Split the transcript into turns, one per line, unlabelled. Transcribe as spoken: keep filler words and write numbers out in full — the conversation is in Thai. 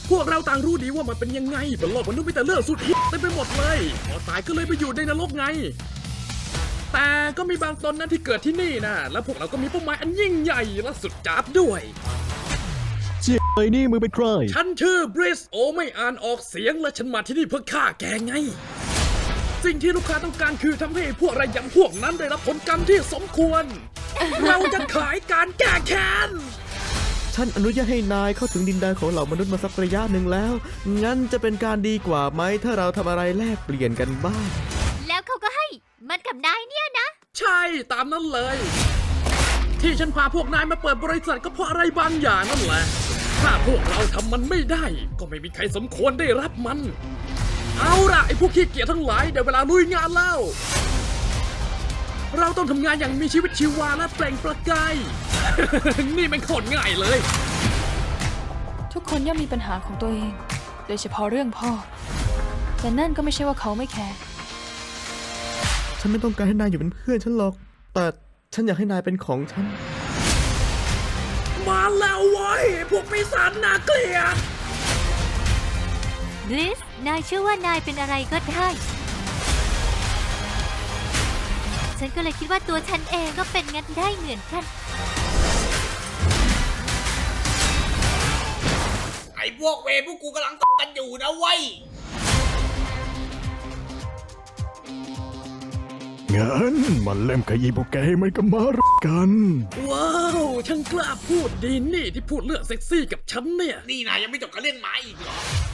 พวกเราต่างรู้ดีว่ามันเป็นยังไงบนโลกมนุษย์มีแต่เรื่องสุดฮิตเต็มไปหมดเลยพอตายก็เลยไปอยู่ในนรกไงแต่ก็มีบางตนนั้นที่เกิดที่นี่นะและพวกเราก็มีเป้าหมายอันยิ่งใหญ่และสุดจ๊าบด้วย
เจี๊ยไอ้นี่มึงเป็นใคร
ฉันชื่อบริสโอไม่อ่านออกเสียงและฉันมาที่นี่เพื่อฆ่าแกไงสิ่งที่ลูกค้าต้องการคือทำให้พวกระยำพวกนั้นได้รับผลกรรมที่สมควร เราจะขายการแก้แค้น
ฉันอนุญาตให้นายเข้าถึงดินแดนของเหล่ามนุษย์มาสักระยะหนึ่งแล้วงั้นจะเป็นการดีกว่าไหมถ้าเราทำอะไรแลกเปลี่ยนกันบ้าง
แล้วเขาก็ให้มันกับนายเนี่ยนะ
ใช่ตามนั้นเลยที่ฉันพาพวกนายมาเปิดบริษัทก็เพราะอะไรบางอย่างนั่นแหละถ้าพวกเราทำมันไม่ได้ก็ไม่มีใครสมควรได้รับมันเอาล่ะไอ้พวกขี้เกียจทั้งหลายเดี๋ยวเวลาลุยงานแล้วเราต้องทำงานอย่างมีชีวิตชีวาและเปล่งประกาย นี่มันโคตรง่ายเลย
ทุกคนย่อมมีปัญหาของตัวเองโดยเฉพาะเรื่องพ่อแต่นั่นก็ไม่ใช่ว่าเขาไม่แคร์
ฉันไม่ต้องการให้นายอยู่เป็นเพื่อนฉันหรอกแต่ฉันอยากให้นายเป็นของฉัน
มาแล้วเว้ยพวกปีศาจน่าเกลียด
บลิสนายเชื่อว่านายเป็นอะไรก็ได้ฉันก็เลยคิดว่าตัวฉันเองก็เป็นงั้นได้เหมือนกัน
ไอ้พวกเวรพวกกูกำลังต่อกันอยู่นะเว้ย
งั้นมันเล่มขยี้พวกแกให้มันก็มารักกัน
ว้าวช่างกล้าพูดดีนี่ที่พูดเรื่องเซ็กซี่กับฉันเนี่ย
นี่นายยังไม่จบกับเรื่องไม้อีกเหรอ